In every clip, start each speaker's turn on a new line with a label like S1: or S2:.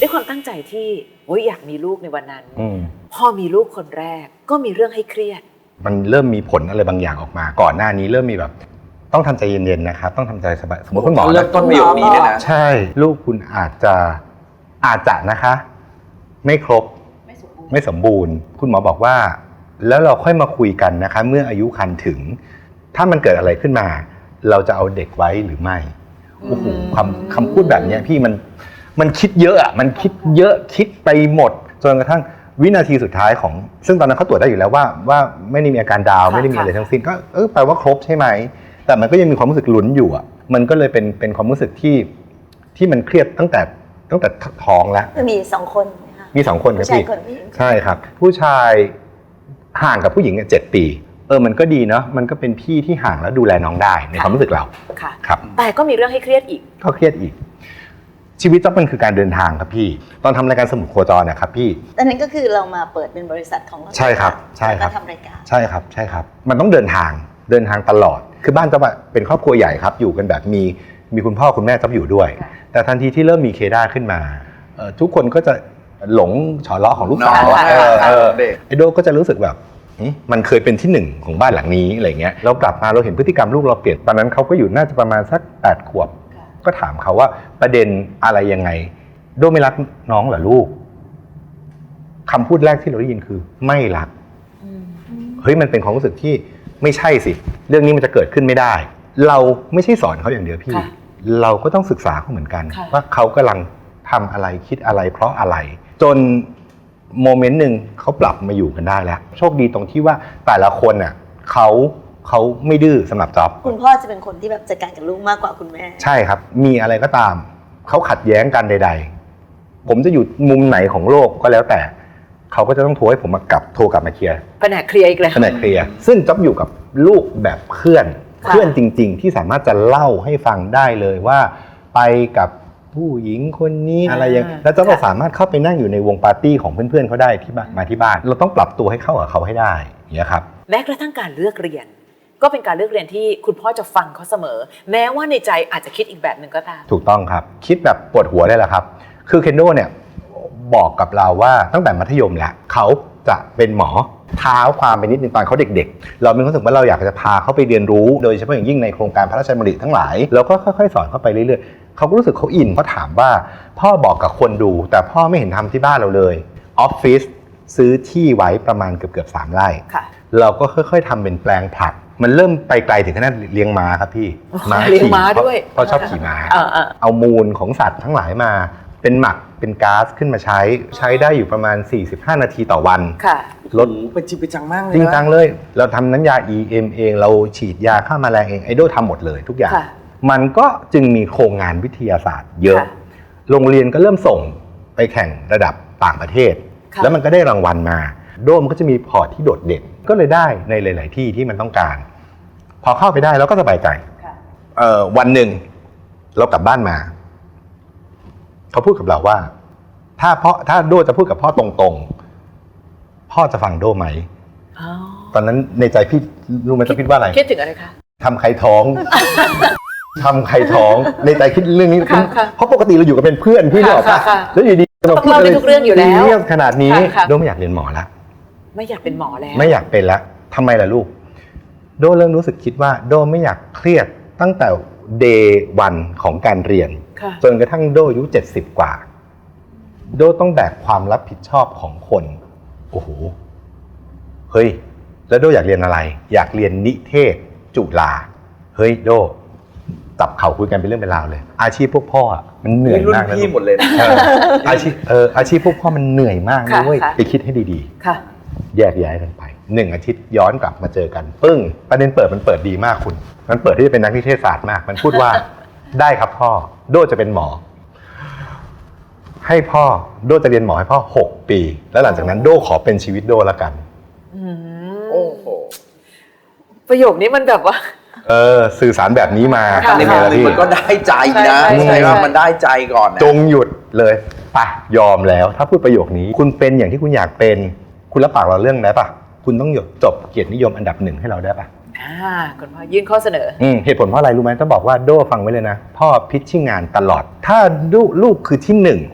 S1: ด้วยความตั้งใจที่อยากมีลูกในวันนั้น พอมีลูกคนแรกก็มีเรื่องให้เครียด
S2: มันเริ่มมีผลอะไรบางอย่างออกมาก่อนหน้านี้เริ่มมีแบบต้องทำใจเย็นๆนะครับต้องทำใจสบายสมมติคุณหมอ
S3: เริ่มต้นประโยคนี้เลยนะ
S2: ใช่ลูกคุณอาจจะนะคะไม่ครบไม่สมบูรณ์คุณหมอบอกว่าแล้วเราค่อยมาคุยกันนะคะเมื่ออายุครรภ์ถึงถ้ามันเกิดอะไรขึ้นมาเราจะเอาเด็กไว้หรือไม่โอ้โหคำพูดแบบนี้พี่มันคิดเยอะอ่ะมันคิดเยอะคิดไปหมดจนกระทั่งวินาทีสุดท้ายของซึ่งตอนนั้นเขาตรวจได้อยู่แล้วว่าไม่ได้มีอาการดาวไม่ได้มีอะไรทั้งสิ้นก็แปลว่าครบใช่ไหมแต่มันก็ยังมีความรู้สึกลุ้นอยู่อ่ะมันก็เลยเป็นความรู้สึกที่มันเครียดตั้งแต่ท้องแล้ว
S4: มี2 คน
S2: มี2 คนครับพี่ใช่ครับผู้ชายห่างกับผู้หญิง7 ปีมันก็ดีเนาะมันก็เป็นพี่ที่ห่างแล้วดูแลน้องได้ในความรู้สึกเรา
S1: ค่ะ
S2: ครับ
S1: แต่ก็มีเรื่องให้เครียดอีก
S2: ก็เครียดอีกชีวิตต้องมันคือการเดินทางครับพี่ตอนทำรายการสมุดโคจรนะครับพี่
S4: ตอนนั้นก็คือเรามาเปิดเป็นบริษัทของเรา
S2: ใช่ครับใช่ครับ
S4: ทำรายการ
S2: ใช่ครับมันต้องเดินทางตลอดคือบ้านจะเป็นครอบครัวใหญ่ครับอยู่กันแบบมีคุณพ่อคุณแม่จะอยู่ด้วยแต่ทันทีที่เริ่มมีเคด้าขึ้นมาทุกคนก็จะหลงฉอเลาะของลูกสาวไอโดก็จะรู้สึกแบบมันเคยเป็นที่ 1ของบ้านหลังนี้อะไรเงี้ยเรากลับมาเราเห็นพฤติกรรมลูกเราเปลี่ยนตอนนั้นเขาก็อยู่น่าจะประมาณสัก8 ขวบก็ถามเขาว่าประเด็นอะไรยังไงโดไม่รักน้องเหรอลูกคำพูดแรกที่เราได้ยินคือไม่รักเฮ้ยมันเป็นความรู้สึกที่ไม่ใช่สิเรื่องนี้มันจะเกิดขึ้นไม่ได้เราไม่ใช่สอนเขาอย่างเดียวพี่เราก็ต้องศึกษาเขาเหมือนกันว่าเขากำลังทำอะไรคิดอะไรเพราะอะไรจนโมเมนต์หนึ่งเขาปรับมาอยู่กันได้แล้วโชคดีตรงที่ว่าแต่ละคนน่ะเขาไม่ดื้อสำหรับจ๊อบ
S4: คุณพ่อจะเป็นคนที่แบบจัดการกับลูกมากกว่าคุณแม่
S2: ใช่ครับมีอะไรก็ตามเขาขัดแย้งกันใดๆผมจะอยู่มุมไหนของโลกก็แล้วแต่เขาก็จะต้องโทรให้ผมโทรกลับมาเคลียร์
S1: แผนกเคลียร์อีกแล้ว
S2: แผนกเคลียร์ซึ่งจ๊อบอยู่กับลูกแบบเพื่อนจริงๆที่สามารถจะเล่าให้ฟังได้เลยว่าไปกับผู้หญิงคนนี้อะไรอย่างแล้วจ๊อบก็สามารถเข้าไปนั่งอยู่ในวงปาร์ตี้ของเพื่อนๆเขาได้ที่บ้านเราต้องปรับตัวให้เข้ากับเขาให้ได้อย่างนี้ครับ
S1: แม้กระทั่งการเลือกเรียนก็เป็นการเลือกเรียนที่คุณพ่อจะฟังเขาเสมอแม้ว่าในใจอาจจะคิดอีกแบบหนึ่งก็ตาม
S2: ถูกต้องครับคิดแบบปวดหัวเลยแหละครับคือเคนโดเนี่ยบอกกับเราว่าตั้งแต่มัธยมแหละเขาจะเป็นหมอเท้าความไปนิดนึงตอนเขาเด็กๆเรามีความรู้สึกว่าเราอยากจะพาเขาไปเรียนรู้โดยเฉพาะอย่างยิ่งในโครงการพระราชดำริทั้งหลายเราก็ค่อยๆสอนเขาไปเรื่อยๆเขาก็รู้สึกเขาอินเขาถามว่าพ่อบอกกับคนดูแต่พ่อไม่เห็นทำที่บ้านเราเลยออฟฟิศซื้อที่ไว้ประมาณเกือบ3 ไร่เราก็ค่อยๆทำเป็นแปลงผักมันเริ่มไปไกลถึงขนาดเลี้ยงม้าครับพี่
S1: เลี้ยงม้าด้วย
S2: เพราะชอบขี่ม้าเอามูลของสัตว์ทั้งหลายมาเป็นหมักเป็นก๊าซขึ้นมาใช้ได้อยู่ประมาณ45 นาทีต่อวัน
S3: ลดเป็นจริงเป็นจังมากเลย
S2: จริงจังเลยเราทำน้ำยา EM เองเราฉีดยาฆ่าแมลงเองไอโดทำหมดเลยทุกอย่างมันก็จึงมีโครงงานวิทยาศาสตร์เยอะโรงเรียนก็เริ่มส่งไปแข่งระดับต่างประเทศแล้วมันก็ได้รางวัลมาโดมก็จะมีพอร์ตที่โดดเด่นก็เลยได้ในหลายๆที่ที่มันต้องการพอเข้าไปได้เราก็สบายใจวันหนึ่งเรากลับบ้านมาเขาพูดกับเราว่าถ้าโดจะพูดกับพ่อตรงๆพ่อจะฟังโดไหมตอนนั้นในใจพี่รู้ไหมจะคิดว่าอะไร
S1: คิดถึงอะไรคะ
S2: ทำใครท้องทำใครท้องในใจคิดเรื่องนี้เพราะปกติเราอยู่กันเป็นเพื่อนพี่บอกป่ะแล้วอยู่ดี
S1: เราพูดอะไรทุกเรื่องอยู่แล้ว
S2: ขนาดนี้โดไม่อยากเรียนหมอแล้ว
S1: ไม่อยากเป็นหมอแล้ว
S2: ไม่อยากเป็นแล้วทำไมล่ะลูกโดเริ่มรู้สึกคิดว่าโดไม่อยากเครียดตั้งแต่ day 1ของการเรียนจนกระทั่งโดอายุ70 กว่าโดต้องแบกความรับผิดชอบของคนโอ้โหเฮ้ยแล้วโดอยากเรียนอะไรอยากเรียนนิเทศจุฬาเฮ้ยโดจับเข่าคุยกันเป็นเรื่องเป็นราวเลยอาชีพพวกพ่อมันเหนื่อยมาก
S3: นะพี่หมดเลย
S2: อาชีพพวกพ่อมันเหนื่อยมากนะเว้ยไปคิดให้ดีๆแยกย้ายกันไป1 อาทิตย์ย้อนกลับมาเจอกันปึ้งประเด็นมันเปิดดีมากคุณมันเปิดที่จะเป็นนักนิเทศศาสตร์มากมันพูดว่าได้ครับพ่อโดจะเป็นหมอให้พ่อโดจะเรียนหมอให้พ่อ6 ปีแล้วหลังจากนั้นโดขอเป็นชีวิตโดละกัน
S3: โอ้โห
S1: ประโยคนี้มันแบบว่า
S2: สื่อสารแบบนี้มา
S3: ในมุมนึงมันก็ได้ใจนะใช่ว่ามันได้ใจก่อนนะ
S2: จงหยุดเลยป่ะยอมแล้วถ้าพูดประโยคนี้คุณเป็นอย่างที่คุณอยากเป็นคุณรับปากเราเรื่องได้ป่ะคุณต้องจบเกียรตินิยมอันดับ1ให้เราได้ป่ะ
S1: คุณพ่อยื่นข้อเสนอ
S2: เหตุผลเพราะอะไรรู้ไหมต้องบอกว่าโดฟังไว้เลยนะพ่อพิชชิ่งงานตลอดถ้าลูกคือที่1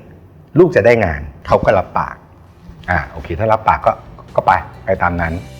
S2: ลูกจะได้งานเขาก็รับปากโอเคถ้ารับปากก็ไปตามนั้น